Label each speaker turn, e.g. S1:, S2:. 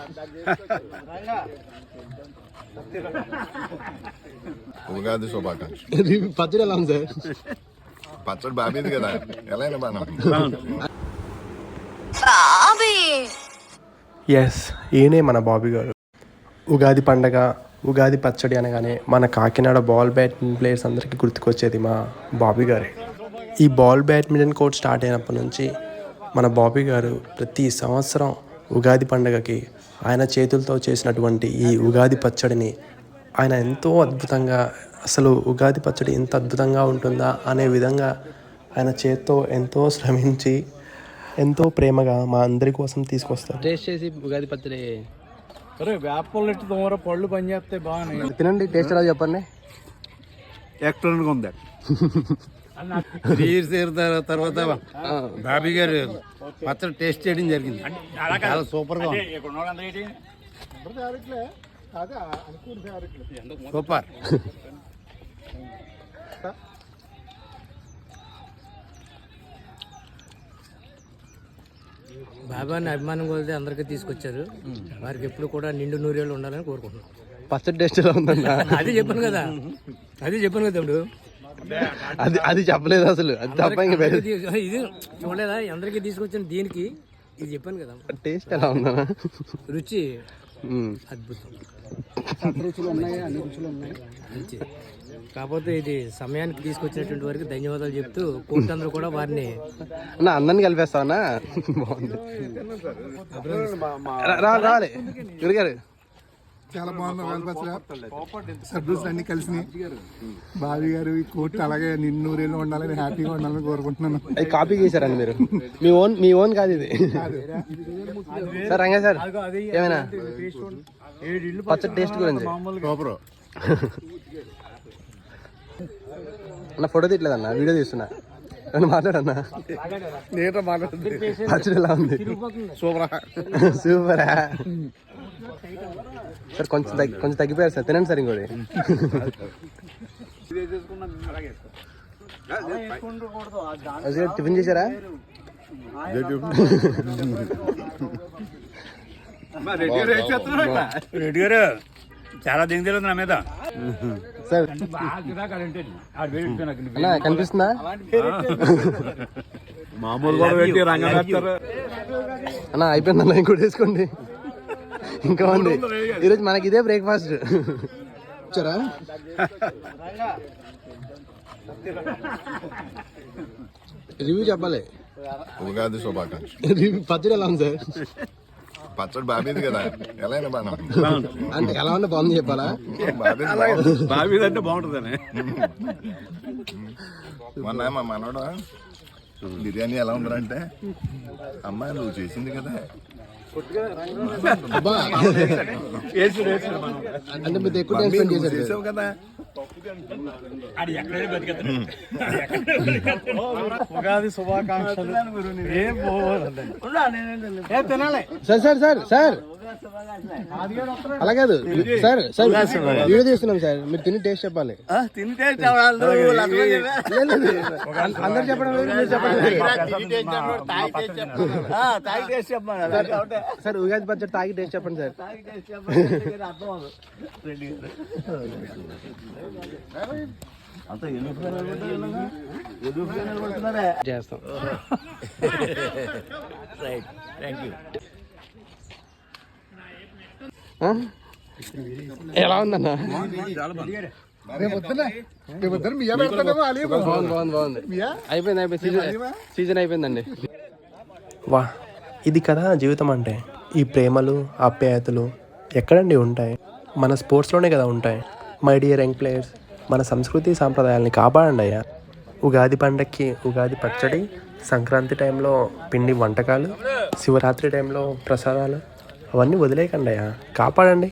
S1: ఉగాది శుభాకాంక్షలు.
S2: పచ్చడి ఎలా ఉంది సార్?
S1: పచ్చడి బాబీది కదా, ఎలా అయినా బాగా.
S2: ఎస్, ఈయనే మన బాబీ గారు. ఉగాది పండగ, ఉగాది పచ్చడి అనగానే మన కాకినాడ బాల్ బ్యాడ్మింటన్ ప్లేయర్స్ అందరికీ గుర్తుకొచ్చేది మా బాబీ గారే. ఈ బాల్ బ్యాడ్మింటన్ కోర్ట్ స్టార్ట్ అయినప్పటి నుంచి మన బాబీ గారు ప్రతి సంవత్సరం ఉగాది పండగకి ఆయన చేతులతో చేసినటువంటి ఈ ఉగాది పచ్చడిని ఆయన ఎంతో అద్భుతంగా, అసలు ఉగాది పచ్చడి ఎంత అద్భుతంగా ఉంటుందా అనే విధంగా ఆయన చేత్తో ఎంతో శ్రమించి ఎంతో ప్రేమగా మా అందరి కోసం తీసుకొస్తారు.
S3: టేస్ట్ చేసి ఉగాది పచ్చడి వేపలు తోమర పళ్ళు పని చేస్తే బాగున్నాయి.
S2: తినండి, టేస్ట్ ఎలా చెప్పండి.
S3: ఎక్స్ట్రాగా ఉంది. తర్వాత బాబీ గారు పచ్చడి టేస్ట్ చేయడం జరిగింది. చాలా సూపర్ గా సూపర్.
S4: బాబాని అభిమానం కొలితే అందరికీ తీసుకొచ్చారు. వారికి ఎప్పుడు కూడా నిండు నూరేళ్ళు ఉండాలని కోరుకుంటున్నాం.
S2: పచ్చడి టేస్ట్ ఎలా ఉందన్నా?
S4: అది చెప్పాను కదా తమ్ముడు.
S2: అది చెప్పలేదు అసలు. అది తప్ప
S4: ఇది చూడలేదా? అందరికీ తీసుకొచ్చిన దీనికి ఇది చెప్పాను కదా.
S2: టేస్ట్ ఎలా ఉందన్నా?
S4: రుచి అద్భుతం. రుచులు ఉన్నాయి, అన్ని రుచులు ఉన్నాయి. మంచిది. కాకపోతే ఇది సమయానికి తీసుకొచ్చినటువంటి వరకు ధన్యవాదాలు చెప్తూ కోర్టు అందరూ కూడా వారిని
S2: అందరిని కలిపేస్తావన్నా. బాగుంది. రాలే గురిగారు.
S5: చాలా బాగుంది. సర్వీస్ అన్ని కలిసి బాబీ గారు ఈ కోర్టు అలాగే నిన్నూరేళ్ళు ఉండాలని, హ్యాపీగా ఉండాలని కోరుకుంటున్నాను.
S2: అది కాపీ చేశారండి మీరు. మీ ఓన్ కాదు ఇది. సార్ రంగా సార్, ఏమైనా పచ్చడి టేస్ట్ గురించి అన్న ఫోటో తీయట్లేదన్నా, వీడియో తీస్తున్నా. మాట్లాడన్నా. పచ్చడి ఎలా ఉంది? సూపరా సార్? కొంచెం తగ్గిపోయారు సార్. తినండి సార్ ఇంకోటి. టిఫిన్ చేశారా?
S3: రెడ్డి గారు చాలా దిగుతుంది నా మీద
S2: సార్. కనిపిస్తుందా?
S3: మామూలు
S2: అన్న అయిపోయిందన్న, ఇంకోటి వేసుకోండి. ఇంకా ఉంది. ఈరోజు మనకి ఇదే బ్రేక్ఫాస్ట్. వచ్చారా? రివ్యూ చెప్పాలి.
S1: ఉగాది శుభాకాంక్షలు.
S2: పచ్చడి ఎలా ఉంది సార్?
S1: పచ్చడి బాబీది కదా, ఎలా అయినా బాగా.
S2: అంటే ఎలా ఉన్నా బాగుంది చెప్పాలా?
S3: బాబీ అంటే బాగుంటుందని.
S1: మొన్న మా మనోడు బిర్యానీ ఎలా ఉందంటే, అమ్మాయి నువ్వు చేసింది కదా
S2: అంటే మీరు ఎక్కువ టైం స్పెండ్ చేశారు
S1: కదా.
S3: ఉగాది శుభాకాంక్షలు.
S2: సార్ సార్ సార్ సార్ అలా కాదు సార్. సార్ వీడియో తీస్తున్నాం సార్, మీరు తిని టేస్ట్ చెప్పాలి. అందరు చెప్పడం లేదు, మీరు చెప్పండి సార్. ఉగాది పచ్చడి తాగి టేస్ట్ చెప్పండి సార్.
S4: చేస్తాం.
S2: ఎలా ఉందన్నా? బాగుంది. అయిపోయింది. సీజన్ అయిపోయిందండి. వా, ఇది కదా జీవితం అంటే. ఈ ప్రేమలు, ఆప్యాయతలు ఎక్కడండి ఉంటాయి? మన స్పోర్ట్స్లోనే కదా ఉంటాయి. మై డియర్ యంగ్ ప్లేయర్స్, మన సంస్కృతి సాంప్రదాయాల్ని కాపాడండి అయ్యా. ఉగాది పండక్కి ఉగాది పచ్చడి, సంక్రాంతి టైంలో పిండి వంటకాలు, శివరాత్రి టైంలో ప్రసాదాలు అవన్నీ వదిలేయకండి అయ్యా, కాపాడండి.